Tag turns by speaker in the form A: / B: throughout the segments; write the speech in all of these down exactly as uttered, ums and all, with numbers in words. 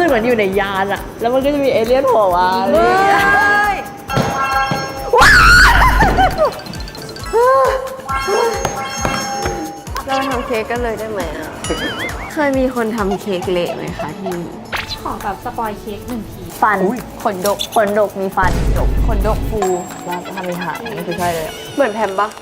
A: กเหมือนอยู่ในยานอะแล้วมันก็จะมีเอเลี่ยนโผล่มาเลย
B: เราทำเค้กกันเลยได้ไหมอ่ะ เคยมีคนทำเค้กเละไหมคะที่นี่
A: ขอแบบสปอยเค้กหนึ่งที
B: ฟัน
A: ขนดกขนดกมีฟันดกขนดกฟูแล้วทำมีหางนี่คือใช่เลย
B: เหมือนแพมปะ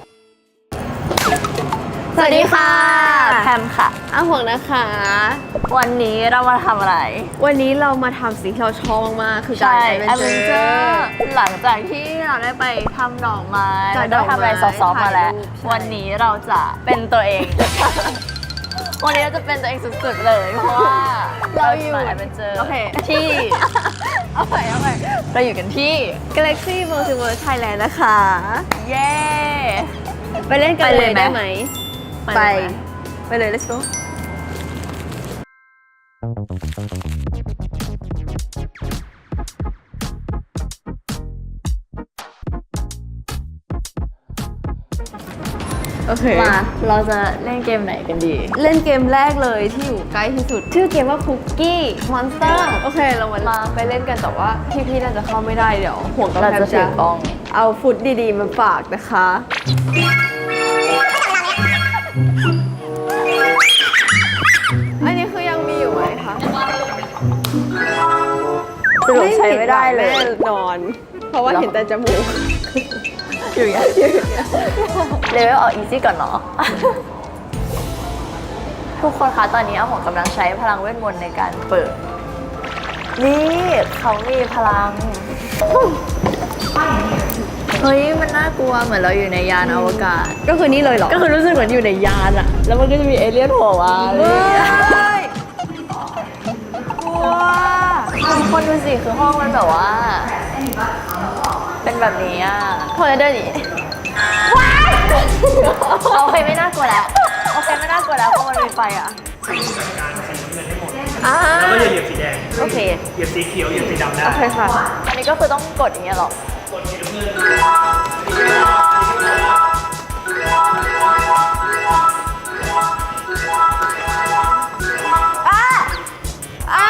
A: สวัสดีค่ะแพมค่ะ
B: อ้าวห่วงนะคะ
A: วันนี้เรามาทำอะไร
B: วันนี้เรามาทำสิ่งที่เราชอบมากๆคือการ
A: ใช่
B: แอ
A: แอ
B: ด
A: ด
B: เว
A: เวน น
B: เจ
A: เจ
B: อ
A: อ
B: ร์
A: ร์หลังจากที่เราได้ไปทำดอกไม้
B: จั
A: แล้
B: ด
A: ว
B: ดอกไม้
A: ได้ทำอะไรซอฟต์ๆมาแล้ว
B: ถ่ายรูปใช่
A: วันนี้เราจะเป็นตัวเอง วันนี้เราจะเป็นตัวเองสุดๆเลย เพราะว่าเราอยู่แอดเวนเจอร์
B: โอเค
A: ที่ เอาไปเอาไปเราอยู่กันที่
B: Galaxy Multiverse Thailand นะคะ
A: เย้
B: ไปเล่นกัน
A: ไป
B: เล
A: เลย
B: ย
A: ไหม
B: ได้ไหม
A: ไป
B: ไปเลย let's go โอเค
A: มาเราจะเล่นเกมไหนกันดี
B: เล่นเกมแรกเลยที่อยู่ใกล้ที่สุด ชื่อเกมว่า Cookie Monster โอเค เรามา
A: มา
B: ไปเล่นกันแต่ว่าพี่ๆน่าจะเข้าไม่ได้เดี๋ยวห่วงกับ
A: เรา
B: แพม
A: จะถื
B: จะ
A: อกล้อง
B: เอาฟุตดีๆมาฝากนะคะ อันนี้คือยังมีอยู่ไหมคะ
A: สรุปใช้ไม่ได้เลย
B: แน่นอน เพราะว่าเห็นแต่จมูก
A: อยู่อย่างเงี้ยเลเวลออกอีซี่ก่อนเนาะ ทุกคนคะตอนนี้อาหมอกำลังใช้พลังเวทมนต์ในการเปิด นี่เขามีพลัง เฮ้ยมันน่ากลัวเหมือนเราอยู่ในยานอวกาศ
B: ก็คือนี่เลยเหรอ
A: ก็คือรู้สึกเหมือนอยู่ในยานอะแล้วมันก็จะมีเอเลี่ยนโผล่มาเลย
B: กลัว
A: ทุกคนดูสิคือห้องมันแบบว่า เป็นแบบนี้อะเธอจะเดินหนีโอเคไม่น่ากลัวแล้วโอเคไม่น่ากลัวแล้วเพราะมันมีไฟอะ
B: อ่า
C: แล้วก็อย่าเหยียบสีแดง
A: โอเค
C: เหยียบสีเขียว เหยียบสีดำได้
B: โอเคค่ะ
A: อันนี้ก็คือต้องกดอย่างเงี้ยหรอ
B: อ้าว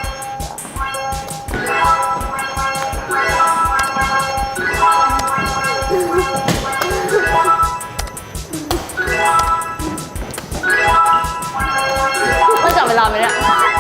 A: มันจับเวลาไหมเนี่ย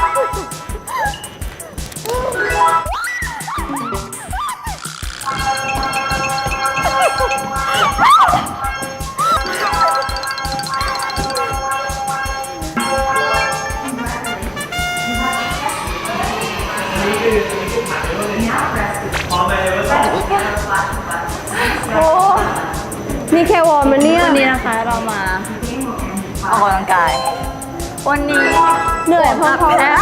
A: โอ้
B: นี่แค่วอร์มมันเนี่ย
A: วันนี้นะคะเรามาออกกำลังกาย วันนี้
B: เหนื่อยพอๆ
A: แพ้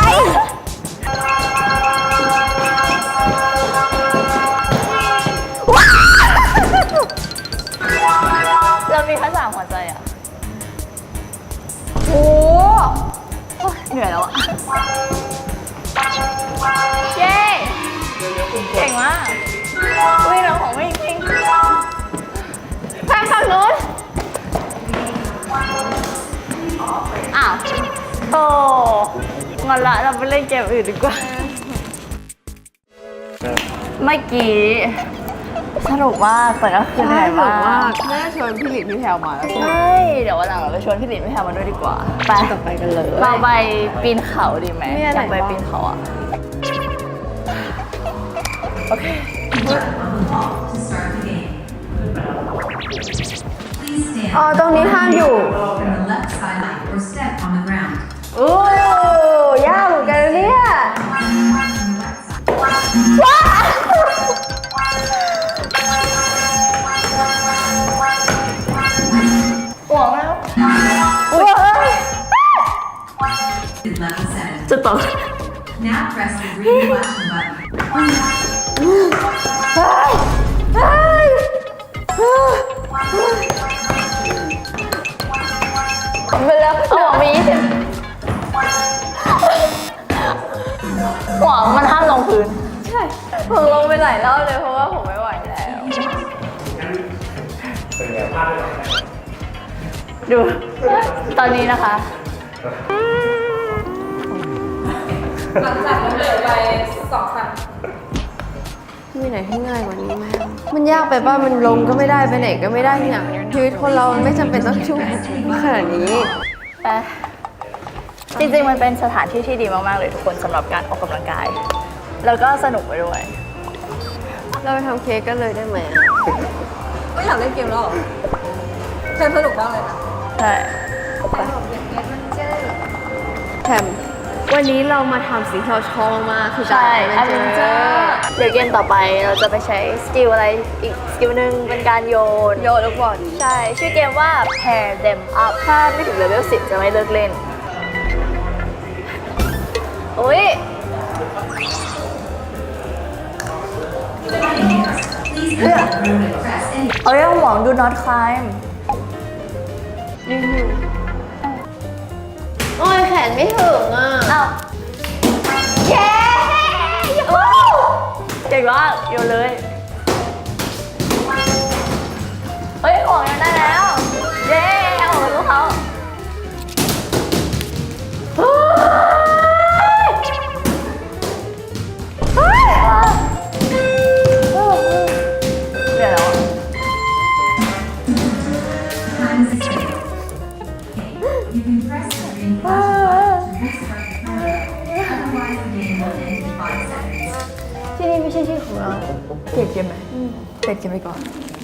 A: เรามีแค่สามหัวใจอ่ะ
B: โอ้
A: โอ๊ยเหนื่อยแล้วอ่ะ เย้ เก่งมากอุ้ยน้องของไม่จริงแพงฝั่งนู้นอ้าวโอ้งอนละเราไปเล่นเกมอื่นดีกว่า เมื่อกี้สนุกมากแต่ก็คือเหนื่อยมาก
B: น่าชวนพี่หลินพี่แพลวมาแล้ว
A: ใช่ เดี๋ยววันหลังเราไปชวนพี่หลินพี่แพรมาด้วยดีกว่า ไป
B: ต่อไปกันเลย
A: เราไปปีนเขาดีไหม
B: มีอะไร
A: อยากไป
B: บ้าง
A: ปีนเขาอ่ะ โอเค
B: อ๋อ ตรงนี้ห้ามอยู่
D: from the left side or step on the ground.
B: โอ้ยากเหมือนกันนะเนี่ย
A: ห่วงแล้ว
B: อุ้ย
D: Is level seven.
A: จะตก
D: Now press the green flashing button.
A: ไปแล้วห่วงมียี่สิบห่วงมันห้ามลงพื้น
B: ใช่ผมลงไปหลายรอบเลยเพราะว่าผมไม่ไหวแล้ว
A: ดู ตอนนี้นะคะหลังจากล้มเหลวไปสองครั้ง
B: มีไหนที่ง่ายกว่านี้ไหมมันยากไปป่ะมันลงก็ไม่ได้ไปไหนก็ไม่ได้เนี่ยชีวิตคนเราไม่จำเป็นต้องชุ่มขนาดนี้
A: แต่จริงๆมันเป็นสถานที่ที่ดีมากๆเลยทุกคนสำหรับการออกกำลังกาย แล้วก็สนุกไปด้วย
B: เราไปทำเค้กกันเลยได้ไหม
E: ไม่อยากเล่นเกมแล้วเหรอเกมสนุกมากเลยนะ
A: ใช่
B: แถมวันนี้เรามาทำสิ่งที่เราชอบมากคือ
A: ใช่
B: การ
A: a อ v e n t u r e เดี๋ยวเกมต่อไปเราจะไปใช้สกิลอะไรอีกสกิลหนึ่งเป็นการโยน
B: โยนลูกบอล
A: ใช่ ชื่อเกมว่า pair them up ถ้าไม่ถึงเลเวลสิบจะไม่เลิกเล่น อุ้ย
D: Please enter the room and press any
A: เอาเรื่องหวัง do not climb
B: นิดนึงโอ้ยแขนไม่ถึงอ่ะ
A: อ้าวเย้โอ้เก่งมากโยนเลย เฮ้ยของยังได้แล้ว เย้เอาของลูกเขาเฮ้ยเฮ้ยเดี๋ยวแล้วอะ
D: time is okay. You can press the green flashing button to restart the timer. Otherwise, the game will end in five seconds.
A: ที่นี่ไม่ใช่ที่ของเราเปลี่ยนเกมไหมเปลี่ยนเกมไปก่อน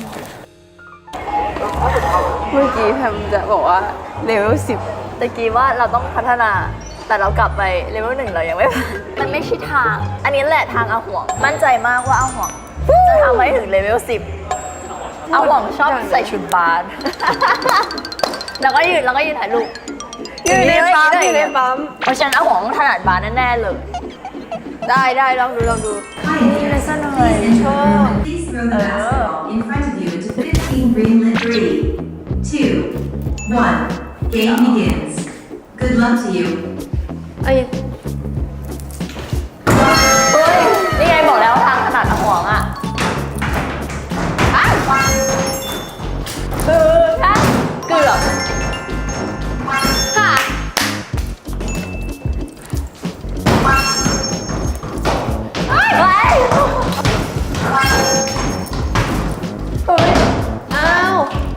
B: เมื่อกี้แพมจะบอกว่าเลเวลสิบ
A: ตะกี้ว่าเราต้องพัฒนา แต่เรากลับไปเลเวลหนึ่งเรายังไม่ผ่านมันไม่ใช่ทาง อันนี้แหละทางอาห่วง มั่นใจมากว่าอาห่วงจะทำให้ถึงเลเวลสิบอาห่วงชอบใส่ชุดบาส แล้วก็ยืนแล้วก็ยืนถ่ายรูป
B: อยู่ในปั๊มอยู่ในปั๊ม
A: เพราะฉะนั้นอาห่วงต้องถนัดบาสแน่ๆเลย
B: ได้ได้ลองดูลองดู
D: Pioneers, please enter the room and please throw the basketball in front of you into fifteen greenlit. Three, two, one. Game begins. Good luck to you.
B: ไอ้
A: เฮ้ย นี่ไงบอกแล้วทางถนัดอาห่วงอ่ะอ้าวคือถ้าเกือบค่ะ เฮ้ยเฮ้ยเฮ้ย
B: อ้าว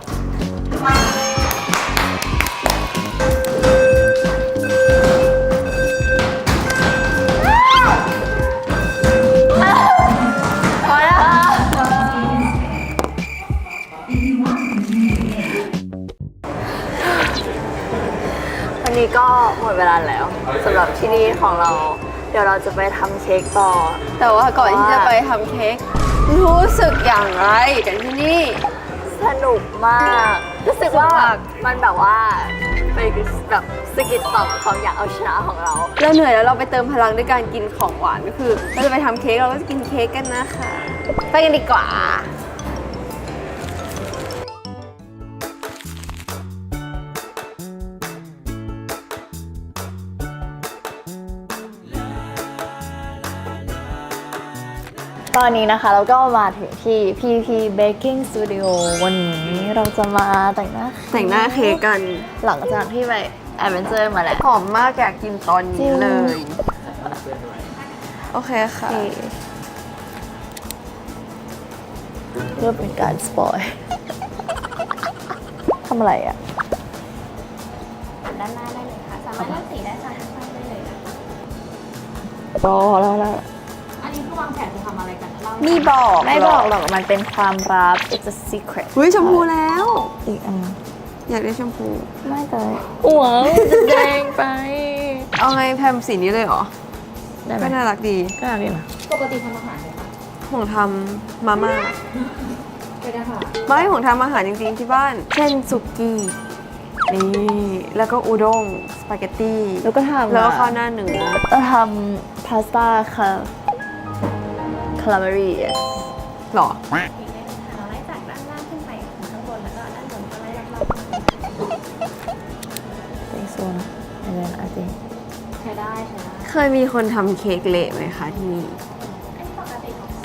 A: พอแล้ว
D: If you want to continue the game,
A: วันนี้ก็หมดเวลาแล้วสำหรับที่นี่ของเรา เดี๋ยวเราจะไปทำเค้กต่อ
B: แต่ว่าก่อนที่จะไปทำเค้กรู้สึกอย่างไรกันที่นี่
A: สนุกมาก รู้สึกว่ามันแบบว่าไปแบบสกิดต่อมความอยากเอาชนะของเรา
B: เราเหนื่อยแล้วเราไปเติมพลังด้วยการกินของหวานก็คือเราจะไปทำเค้กเราก็จะกินเค้กกันนะคะ ไปกันดีกว่า
A: ตอนนี้นะคะเราก็มาถึงที่ พี พี Baking Studio วันนี้เราจะมาแต่งหน้า
B: แต่งหน้าเค้กกัน
A: หลังจากที่ไป Adventure มาแล้ว
B: หอมมากอยากกินตอนนี้เลย โอเคค่ะ
A: เริ่มเป็นการสปอยทำอะไรอ่ะ
E: ด้านหน้าได้เลยค่ะ สามารถเลือกสีได้ค่ะทั้งสองได้เลยค่ะ
A: รอแล้วแล้ว
E: อันนี้คือวางแผนจะทำอะไรกันเล่า
B: มีบอก
A: ไม่บอกหรอกมันเป็นความลับ it's a secret
B: เฮ้ยชมพูแล้ว
A: อีกอัน
B: อยากได้ชมพู
A: ไม่แต่หัวจะแดงไป
B: เอาไงแพมสีนี้เลยเหรอ
A: ได้ไหม
B: ก็น่ารักดี
A: ก็ได้นะ
E: ปกติทำอาหารไหมคะ
B: ผมทำมาม่า
E: ไม่ได้ค่ะ
B: ไม่ผมทำอาหารจริงๆที่บ้าน เช่นสุกี้ นี่ แล้วก็อุด้ง สปาเกตตี้
A: แล้วก็ทำ
B: แล้วก็ข้าวหน้าเนื้อ
A: เราทำพาสต้าค่ะคาราเมรี่
B: หรอ
E: เราไล่จากด้านล่างขึ้นไปข้างบนแล้วก็ด้านบนก็ไล่รอบ
A: เป็นโซนอะไรนะอาจริง
E: ๆใช้ได้ใช้ได้
B: เคยมีคนทำเค้กเละไหมคะที่นี่
E: อันนี้ปกติของ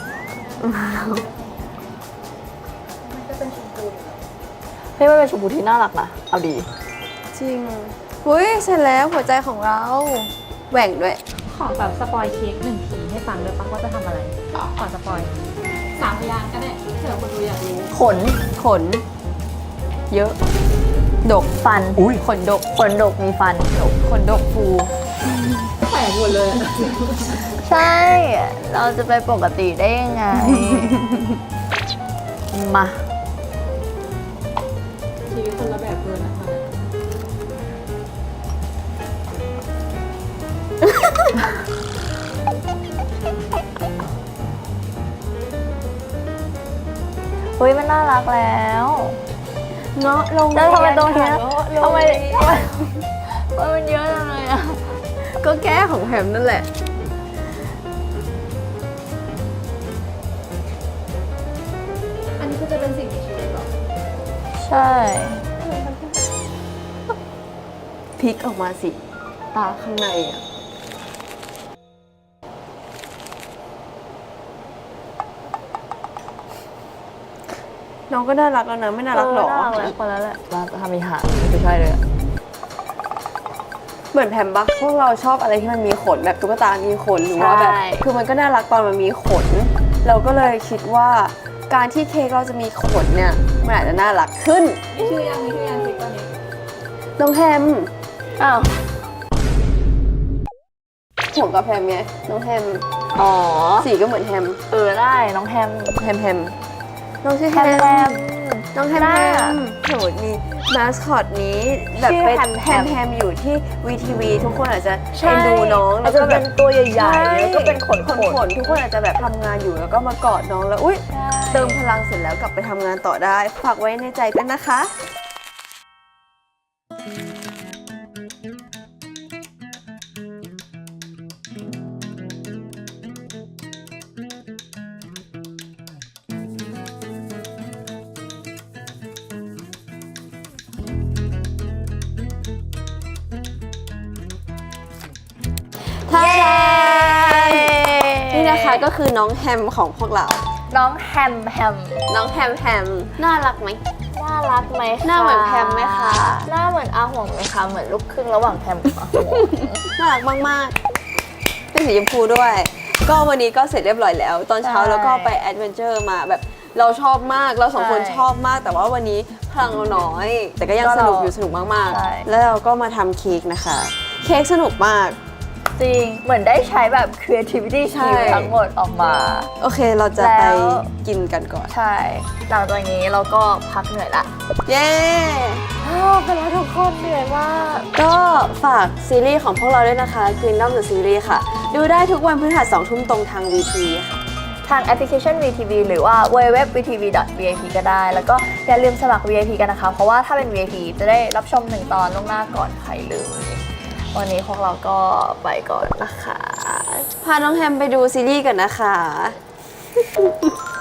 E: มันจะเป็นชมพู
A: เฮ้ยมันเป็นชมพูที่น่ารักนะ เอาดี
B: จริงอุ้ยเสร็จแล้วหัวใจของเรา แหว่งด้วย
F: ขอแบบสปอยเค้กหนึ่งทีให้ฟังด้วยปะว่าจะทำอะไรก่อนสปอยสามพยางค์ก็ได้เผื่อคนดูอยากรู้
A: ขน
B: ขน เยอะ ดก
A: ฟัน
C: อุ้ย
B: ขนดก
A: ขนดกมีฟันดก
B: ขนดกฟู
F: แปลกหมดเลย
A: ใช่ เราจะไปปกติได้ยังไง มา
F: ชีวิตคนละแบบเกินนะคะ
A: เฮ้ยมันน่ารักแล้ว
B: เงาะลง
A: แล้วทำไมตรงเนี้ย
B: เงาะลง
A: ทำไมทำไมทำไมมันเยอะจังเลยอะ
B: ก็แก้ของแฮมนั่นแหละ
F: อันนี้ก็จะเป็นสิ่งมีชีวิตหรอ
A: ใช่
B: พลิกออกมาสิ ตาข้างในอ่ะ น้องก็น่ารักแล้วนะ ไม่น่ารักหรอ
A: เน่ารักแล้วคนแล้วแหละเราจะทำอีหาไม่ใช่เลยอะ
B: เหมือนแพมบักพวกเราชอบอะไรที่มันมีขนแบบตุ๊กตา มีขนหรือว่าแบบ คือมันก็น่ารักตอนมันมีขน เราก็เลยคิดว่าการที่เค้กเราจะมีขนเนี่ย มันอาจจะน่ารักขึ้น
F: มีชื่อยังมีชื่อยังเค้กตอนนี้
B: น้องแฮม
A: อ้าว
B: ห่วงกับแฮมไงน้องแฮม
A: อ๋อ
B: สีก็เหมือนแฮม
A: เออได้น้องแฮม
B: แฮมแฮมน้องชื่อ
A: แฮ
B: แฮ
A: ม
B: ม
A: แฮม
B: น้องแฮม
A: น่า
B: แฮมโหมีมาสคอตนี้แบบ
A: ชื่อ
B: เป็น
A: แฮม
B: แฮ
A: แฮม
B: มแฮมอยู่ที่วีทีวีทุกคนอาจจะ
A: ใช่
B: เอ็นดูน้อง
A: แล้
B: แล้ว ว
A: ก็
B: ก็
A: เป็
B: แบบ
A: นตัวใหญ่ๆแล้วก็เป็นขน
B: ขนขนทุกคนอาจจะแบบทำงานอยู่แล้วก็มากอดน้องแล้วอุ้ยเติมพลังเสร็จแล้วกลับไปทำงานต่อได้ ฝากไว้ในใจด้วยนะคะ ท่าดานี่นะคะก็คือน้องแฮมของพวกเรา
A: น้องแฮมแฮม
B: น้องแฮมแฮมน่ารักไหม
A: น่ารักไหมคะ
B: หน้าเหมือนแพมไหมคะ
A: หน้าเหมือนอาห่วงไหมคะ เหมือนลูกครึ่งระหว่างแพมกับอาห่วง
B: น่ารักมากๆเป็นสีชมพูด้วย ก็วันนี้ก็เสร็จเรียบร้อยแล้ว ตอนเช้า
A: ใช่
B: แล้วก็ไปแอดเวนเจอร์มาแบบเราชอบมาก เราสองคน
A: ใช่
B: ชอบมาก แต่ว่าวันนี้พลังเราน้อย แต่ก็ยัง
A: ก็
B: ส
A: เรา
B: นุกอยู่สนุกมาก
A: ใช่
B: ๆ แล้วเราก็มาทำเค้กนะคะ เค้กสนุกมาก
A: จริง เหมือนได้ใช้แบบ creativity
B: ใช่
A: skill ทั้งหมดออกมา
B: โอเคเราจะ
A: แล้
B: ไป
A: ว
B: กินกันก่อน
A: ใช่ หลังจากนี้เราก็พักเหนื่อยละ
B: เย้
A: อ้าวเป็นแล้วทุกคนเหนื่อยมาก
B: ก็ฝากซีรีส์ของพวกเราด้วยนะคะ Kingdom the Series ค่ะ ดูได้ทุกวันพฤหัสสองทุ่มตรงทาง วี ที ค่ะ
A: ทางแอปพลิเคชัน วี ที วี หรือว่า ดับเบิลยู ดับเบิลยู ดับเบิลยู ดอท วี ที วี ดอท วี ไอ พี ก็ได้ แล้วก็อย่าลืมสมัคร วี ไอ พี กันนะคะ เพราะว่าถ้าเป็น วี ไอ พี จะได้รับชมหนึ่งตอนล่วงหน้าก่อนใครเลย วันนี้พวกเราก็ไปก่อนนะคะ
B: พาน้องแฮมไปดูซีรีส์กันนะคะ